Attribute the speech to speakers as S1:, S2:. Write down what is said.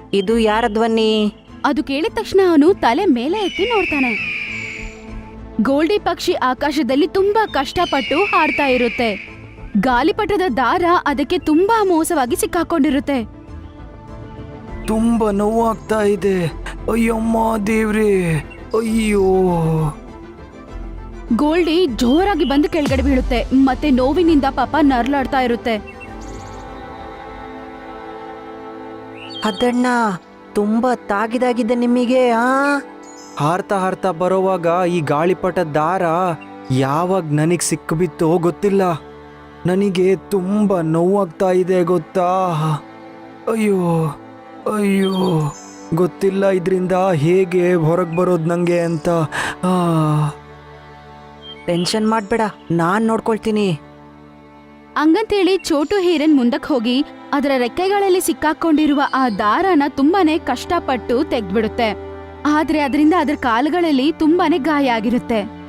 S1: ಇದು ಯಾರ ಧ್ವನಿ?
S2: ಅದು ಕೇಳಿದ ತಕ್ಷಣ ಅವನು ತಲೆ ಮೇಲೆ ಎತ್ತಿ ನೋಡ್ತಾನೆ. ಗೋಲ್ಡಿ ಪಕ್ಷಿ ಆಕಾಶದಲ್ಲಿ ತುಂಬಾ ಕಷ್ಟಪಟ್ಟು ಹಾಡ್ತಾ ಇರುತ್ತೆ. ಗಾಲಿಪಟದ ದಾರ ಅದಕ್ಕೆ ತುಂಬಾ ಮೋಸವಾಗಿ ಸಿಕ್ಕಾಕೊಂಡಿರುತ್ತೆ.
S3: ತುಂಬ ನೋವಾಗ್ತಾ ಇದೆ. ಅಯ್ಯಮ್ಮ ದೇವ್ರೇ, ಅಯ್ಯೋ.
S2: ಗೋಲ್ಡಿ ಜೋರಾಗಿ ಬಂದು ಕೆಳಗಡೆ ಬೀಳುತ್ತೆ ಮತ್ತೆ ನೋವಿನಿಂದ ಪಾಪ ನರ್ಲಾಡ್ತಾ ಇರುತ್ತೆ.
S1: ಅದಣ್ಣ, ತುಂಬಾ ತಾಗಿದಾಗಿದೆ ನಿಮಗೆ.
S3: ಹಾರ್ತಾ ಹಾರ್ತಾ ಬರೋವಾಗ ಈ ಗಾಳಿಪಟ ದಾರ ಯಾವಾಗ ನನಗೆ ಸಿಕ್ಕಿಬಿತ್ತೋ ಗೊತ್ತಿಲ್ಲ. ನನಗೆ ತುಂಬ ನೋವಾಗ್ತಾ ಇದೆ ಗೊತ್ತಾ. ಅಯ್ಯೋ ಅಯ್ಯೋ, ಗೊತ್ತಿಲ್ಲ ಇದರಿಂದ ಹೇಗೆ ಹೊರಗೆ ಬರೋದು ನನಗೆ ಅಂತ.
S1: ಟೆನ್ಷನ್ ಮಾಡ್ಬೇಡ, ನಾನ್ ನೋಡ್ಕೊಳ್ತೀನಿ.
S2: ಹಂಗಂತೇಳಿ ಚೋಟು ಹೀರನ್ ಮುಂದಕ್ಕೆ ಹೋಗಿ ಅದರ ರೆಕ್ಕೆಗಳಲ್ಲಿ ಸಿಕ್ಕಾಕೊಂಡಿರುವ ಆ ದಾರನ ತುಂಬಾನೇ ಕಷ್ಟಪಟ್ಟು ತೆಗ್ದ್ಬಿಡುತ್ತೆ. ಆದ್ರೆ ಅದರಿಂದ ಅದರ ಕಾಲುಗಳಲ್ಲಿ ತುಂಬಾನೇ ಗಾಯ ಆಗಿರುತ್ತೆ.